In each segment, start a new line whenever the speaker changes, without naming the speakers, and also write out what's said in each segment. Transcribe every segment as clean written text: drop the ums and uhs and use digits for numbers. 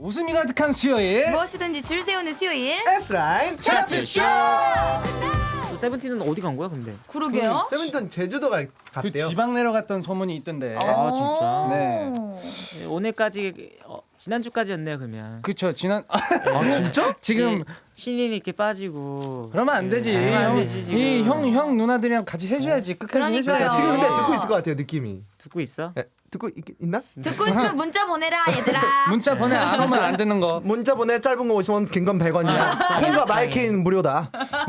웃음이 가득한 수요일
무엇이든지 줄 세우는 수요일.
S라인 차트쇼.
세븐틴은 어디 간 거야 근데?
그러게요.
세븐틴 제주도
그
갔대요.
지방 내려갔던 소문이 있던데.
아 진짜?
네.
오늘까지 지난주까지였네요 그러면.
그쵸 지난
아 진짜?
지금
신인이 이렇게 빠지고.
그러면 안 되지.
그러면 안 되지, 지금.
이형 누나들이랑 같이 해줘야지. 끝까지
그러니까요.
해줘야지.
지금 근데 듣고 있을 것 같아요 느낌이.
듣고 있어?
예, 듣고 있나?
듣고 있으면 문자 보내라 얘들아.
문자 보내 안 오면 안 되는 거.
문자 보내 짧은 거 50원 긴 건 100원이야. 콩과 마이케이는 무료다.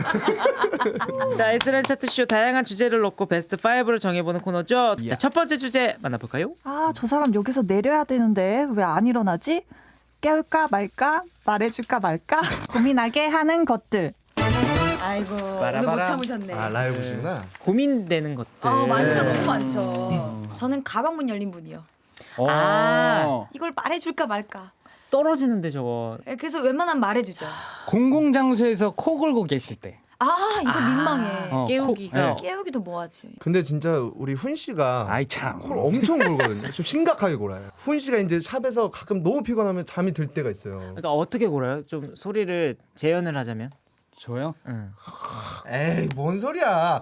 자 S라인 차트쇼 다양한 주제를 놓고 베스트 5를 정해보는 코너죠. 자, 첫 번째 주제 만나볼까요?
아, 저 사람 여기서 내려야 되는데 왜 안 일어나지? 깨울까 말까? 말해줄까 말까? 고민하게 하는 것들.
아이고 오늘 못 참으셨네.
아 라이브시구나.
고민되는 것들.
많죠. 너무 많죠. 저는 가방 문 열린 분이요.
아.
이걸 말해줄까 말까.
떨어지는데 저거.
그래서 웬만하면 말해주죠.
공공장소에서 코 골고 계실 때.
이거 민망해.
깨우기가.
깨우기도 뭐하지.
근데 진짜 우리 훈 씨가
아이 참.
코를 엄청 골거든요. 좀 심각하게 골아요. 훈 씨가 이제 샵에서 가끔 너무 피곤하면 잠이 들 때가 있어요.
그러니까 어떻게 골아요? 좀 소리를 재현을 하자면.
저요?
응.
에이 뭔 소리야.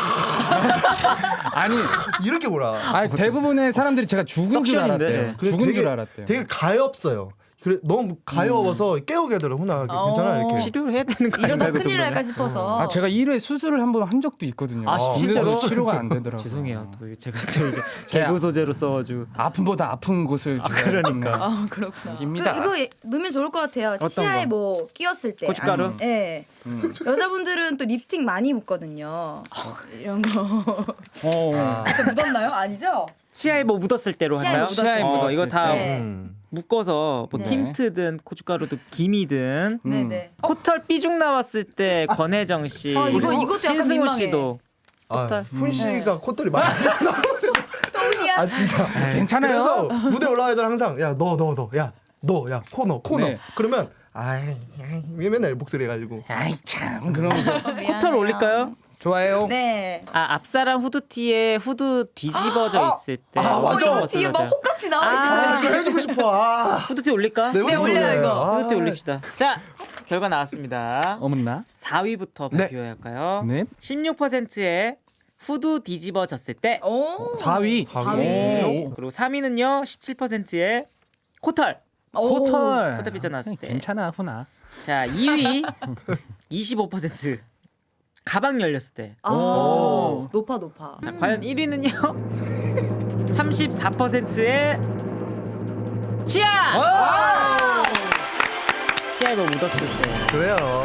아니,
이렇게 골아.
아니 대부분의 사람들이 제가 죽은 줄
석션인데.
알았대요.
근데
죽은
되게-
줄 알았대요.
되게 가엾어요. 그래 너무 가여워서 깨우게 하더라고. 훈아 괜찮아 이렇게.
치료를 해야 되는 거
이러다
아닌가요? 그
큰일 날까
정도면?
싶어서.
아 제가 1회 수술을 한 번 한 적도 있거든요.
아,
근데도
진짜로?
치료가 안 되더라고요.
죄송해요. 또 제가 또 이게 개그 소재로 써가지고.
아픔보다 아픈 곳을
그러니까.
그렇구나.
입니다.
이거 넣으면 좋을 것 같아요.
어떤
치아에
거?
뭐 끼었을 때.
고춧가루?
네. 여자분들은 또 립스틱 많이 묻거든요. 이런 거. 저 묻었나요? 아니죠?
치아에 뭐 묻었을 때로
치아에
할까요?
묻었을 때.
이거 다
네.
묶어서 뭐
네.
틴트든 고춧가루든 김이든
네네.
코털 삐죽 나왔을 때 권혜정 씨,
이것도
그리고
약간
신승훈
민망해.
씨도
훈 씨가 콧털이 많이.
똥이야.
아 진짜.
괜찮아요?
그래서 무대 올라가기 전에 항상 야 너 코 넣어.
네.
그러면 아이 왜 맨날 목소리 해가지고.
아이 참 그러면서
코털 올릴까요?
좋아요.
네.
앞사람 후드티에 후드 뒤집어져 있을 때
맞아.
엄청
뒤에 막
멋있어요.
혹같이 나와 있잖아요.
이거 해주고 싶어.
후드티 올릴까?
네,
올려요,
올려요.
이거.
후드티 올립시다. 자, 결과 나왔습니다.
어머나.
4위부터
네.
발표해야 할까요?
네.
16%의 후드 뒤집어졌을 때,
오.
4위.
4위.
그리고 3위는요 17%의 코털.
코털.
코털 삐져나왔을 때.
괜찮아 훈아.
자, 2위 25% 가방 열렸을 때.
높아.
자, 과연 1위는요 34%의 치아. 치아에 뭐 묻었을 때.
그래요.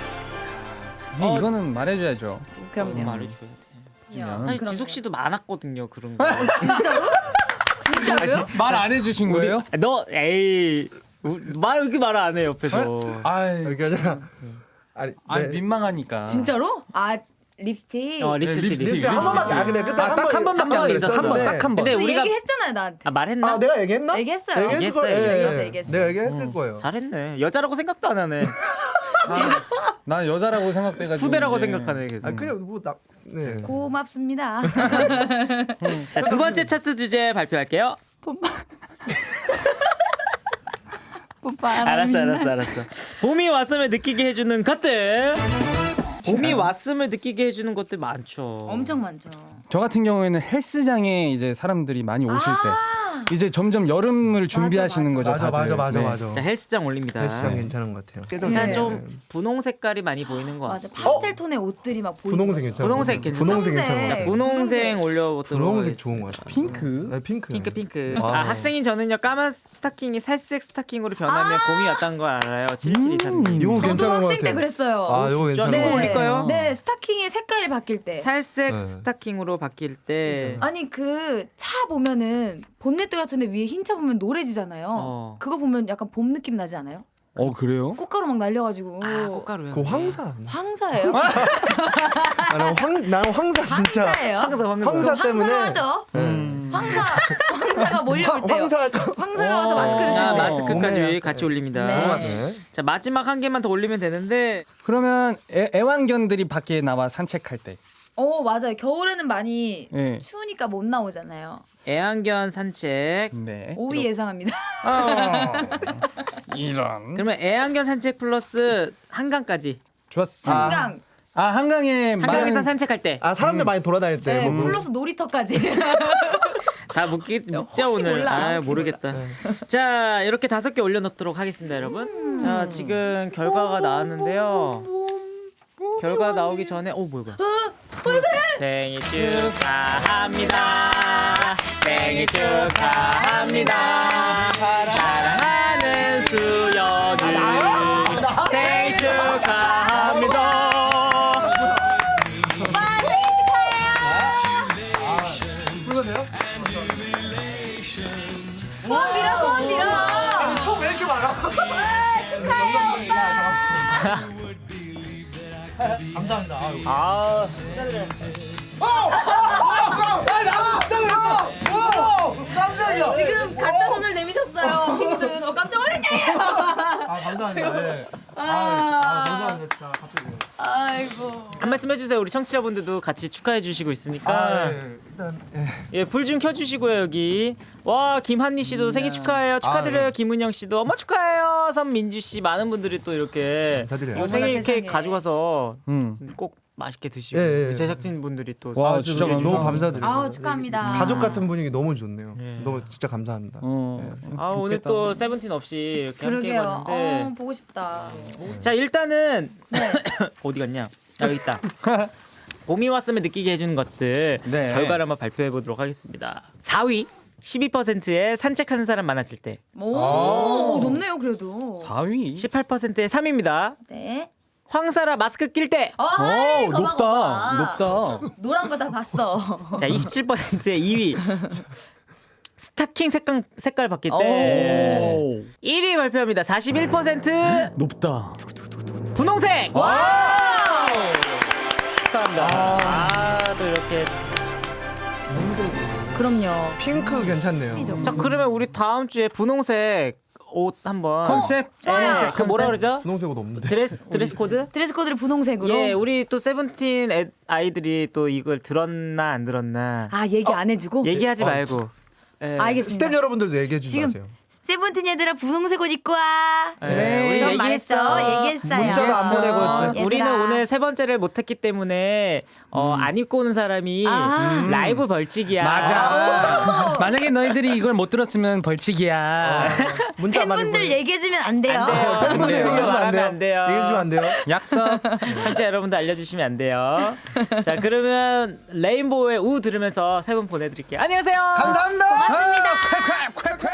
이거는 말해줘야죠.
그럼요. 말해줘야 돼.
야,
사실 지숙 씨도 많았거든요 그런 거.
진짜로? 진짜로요?
말 안 해주신 거예요?
너 에이 말 이렇게 말 안 해 옆에서.
아이,
그게 아니라
아니 민망하니까.
진짜로? 립스틱.
립스틱.
립스틱 한 번밖에 안 근데 그때
딱 한 번밖에 안 그랬어. 한 번, 딱 한 번.
근데
너
우리가
얘기했잖아요 나한테.
말했나?
아 내가 얘기했나?
얘기했어요.
얘기했을 거예요.
얘기했어요.
예,
얘기했어요.
내가 얘기했을 거예요.
잘했네. 여자라고 생각도 안 하네.
난 여자라고 생각돼가지고.
후배라고
이제.
생각하네 계속.
아 그냥 뭐나 네.
고맙습니다.
자, 두 번째 차트 주제 발표할게요. 알았어. 봄이 왔음을 느끼게 해주는 것들. 봄이 왔음을 느끼게 해주는 것들 많죠.
엄청 많죠.
저 같은 경우에는 헬스장에 이제 사람들이 많이 오실 때 이제 점점 여름을 준비하시는 거죠.
맞아
다들. 네.
자, 헬스장 올립니다.
헬스장 괜찮은 것 같아요.
일단
네.
좀 분홍 색깔이 많이 보이는 것
맞아.
같아요.
파스텔 톤의 옷들이 막 보이는
분홍색
거죠.
괜찮아.
분홍색 괜찮아.
분홍색 괜찮은 것 같아요.
분홍색 올려보도록
분홍색 좋은
하겠습니다.
것 같아요.
핑크?
네, 핑크.
핑크.
아.
학생인 저는요 까만 스타킹이 살색 스타킹으로 변하면 봄이 왔다는 걸 알아요. 7723님.
이거
저도
괜찮은 것
학생 때
같아요.
그랬어요.
아 이거
진짜?
괜찮은 것
네.
같아요.
올릴까요?
네, 스타킹의 색깔이 바뀔 때.
살색
네.
스타킹으로 바뀔 때
아니 그 차 보면은 본네트 같은데 위에 흰 차 보면 노래지잖아요. 그거 보면 약간 봄 느낌 나지 않아요?
그래요?
꽃가루 막 날려가지고.
꽃가루요.
그 황사.
황사예요?
나는 황사 진짜.
황사예요?
황사 때문에.
황사하죠. 황사가 몰려올 때요. 황사가 와서 마스크를 쓸 때.
마스크까지
봄에
같이 올립니다.
네.
자, 마지막 한 개만 더 올리면 되는데
그러면 애완견들이 밖에 나와 산책할 때.
맞아요. 겨울에는 많이
네.
추우니까 못 나오잖아요.
애완견 산책.
네.
5위 예상합니다.
이런.
그러면 애완견 산책 플러스 한강까지.
좋았습니다.
한강.
한강에
한강에서 산책할 때.
사람들 많이 돌아다닐 때.
네,
뭐
플러스 놀이터까지.
다 묻자
혹시
오늘.
몰라, 혹시
모르겠다. 자, 이렇게 5개 올려놓도록 하겠습니다, 여러분. 자, 지금 결과가 나왔는데요. 결과 나오기 전에 뭐야? 생일 축하합니다. 생일 축하합니다. 사랑하는 수연이 생일 축하합니다.
소원 빌어, 소원 빌어.
왜 이렇게 많아?
축하해요, 오빠.
감사합니다. 깜짝이야.
지금 가짜 손을 내미셨어요. 핑크는 깜짝 놀랐네.
감사합니다. 네. 감사합니다. 진짜 갑자기.
아이고.
한 말씀 해주세요. 우리 청취자분들도 같이 축하해 주시고 있으니까.
일단
불 좀 켜주시고요 여기. 와 김한니 씨도 생일 축하해요. 축하드려요. 김은영 씨도 어머 축하해요. 선민주 씨 많은 분들이 또 이렇게
감사드려요.
요 생일
어머나
케이크
세상에.
가져가서 꼭 맛있게 드시고
예, 예.
우리 제작진 분들이 또
와,
진짜
진짜
너무
감사합니다.
감사드려요.
아우, 축하합니다.
가족 같은 분위기 너무 좋네요.
예.
너무 진짜 감사합니다.
오늘 또 세븐틴 없이 이렇게 함께
그러게요.
해봤는데
보고 싶다.
자 일단은
네.
어디 갔냐? 여기 있다. 봄이 왔음을 느끼게 해주는 것들
네.
결과를 한번 발표해 보도록 하겠습니다. 4위 12%의 산책하는 사람 많아질 때,
오, 높네요, 그래도.
4위.
18%의 3위입니다.
네.
황사라 마스크 낄 때,
어이, 거봐,
높다.
거봐.
높다.
노란 거 다 봤어.
자 27%의 2위 스타킹 색깔 바뀔 때,
오.
1위 발표합니다. 41%
높다.
분홍색.
와!
축하합니다. 또 이렇게.
그럼요.
핑크 괜찮네요.
자 그러면 우리 다음 주에 분홍색 옷 한번
컨셉.
좋아요.
그 뭐라 그러죠?
분홍색 옷 없는데.
드레스 코드?
드레스 코드를 분홍색으로.
예, 우리 또 세븐틴 아이들이 또 이걸 들었나 안 들었나
아, 얘기 안 해주고?
얘기하지 말고. 예.
알겠습니다.
스텝 여러분들도 얘기해 주지
지금
마세요.
세븐틴 얘들아 분홍색 옷 입고 와.
예, 우리
전
얘기했어.
말했어. 얘기했어요.
문자도 안 보내고 진짜.
얘들아.
우리는 오늘 세 번째를 못했기 때문에 안 입고 오는 사람이
아.
라이브 벌칙이야.
맞아. 만약에 너희들이 이걸 못 들었으면 벌칙이야.
문자 안 많이
팬분들
보내.
얘기해주면 안 돼요.
안 돼요.
팬분들 얘기해주면 안 돼요.
안 돼요.
얘기해주면 안 돼요.
약속.
청취자 여러분들 알려주시면 안 돼요. 자 그러면 레인보우의 우 들으면서 세 분 보내드릴게요. 안녕하세요.
감사합니다.
고맙습니다. 콸콸 콸콸.